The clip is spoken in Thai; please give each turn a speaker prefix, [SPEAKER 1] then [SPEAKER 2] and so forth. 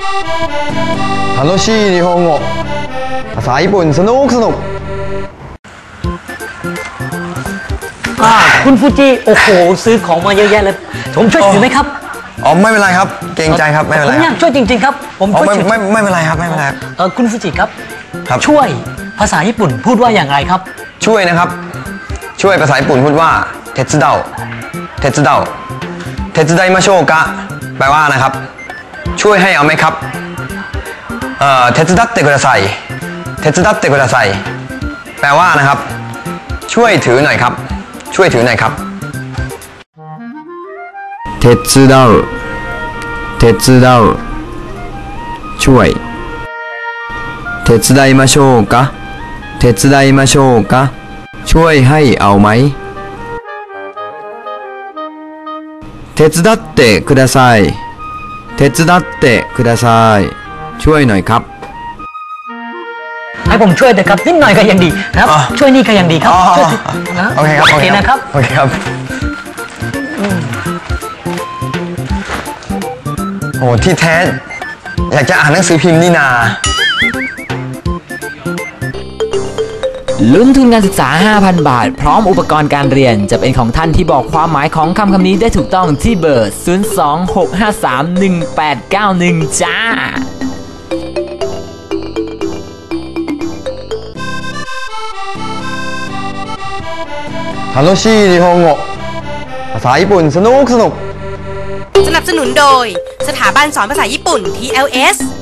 [SPEAKER 1] 楽しい日本語ภาษาญี่ปุ่นสนุก
[SPEAKER 2] คุณฟูจิโอ้โหซื้อของมาเยอะแยะเลยผมช่วยถือไหมครับ
[SPEAKER 1] อ๋อไม่เป็นไรครับเกรงใจครับไม่เป็นไร
[SPEAKER 2] ผมอยากช่วยจริงๆครับผมช่วย
[SPEAKER 1] ไม่เป็นไรครับไม่เป็นไร
[SPEAKER 2] คุณฟูจิครับช่วยภาษาญี่ปุ่นพูดว่าอย่างไรครับ
[SPEAKER 1] ช่วยนะครับช่วยภาษาญี่ปุ่นพูดว่าเทสึเดาเทสึเดาเทสึไดมาโชกะแปลว่านะครับช่วยให้เอาไหมครับเทสึดัตเตกุดาไซเทสึดัตเตกุดาไซแปลว่านะครับช่วยถือหน่อยครับช่วยถือหน่อยครับเทสึเดาเทสึเดาช่วยเทสึไดมาโชกะเทสึไดมาโชกะช่วยให้เอาไหมเทสึดัตเตกุดาไซเทสึดัตเตกุดาไซช่วยหน่อยครับ
[SPEAKER 2] ให้ผมช่วยแต่ครับนิดหน่อยก็ยังดีครับช่วยนี่ก็ยังดีครับ
[SPEAKER 1] โอเคครับ
[SPEAKER 2] โอเคนะครับ
[SPEAKER 1] โอเคครับโอ้ที่แท้อยากจะอ่านหนังสือพิมพ์นี่นา
[SPEAKER 3] ลุ้นทุนการศึกษา 5,000 บาทพร้อมอุปกรณ์การเรียนจะเป็นของท่านที่บอกความหมายของคำนี้ได้ถูกต้องที่เบอร์ 026531891 จ้า
[SPEAKER 1] 楽しい日本語ภาษาญี่ปุ่นสนุก
[SPEAKER 4] สนับสนุนโดยสถาบันสอนภาษาญี่ปุ่น TLS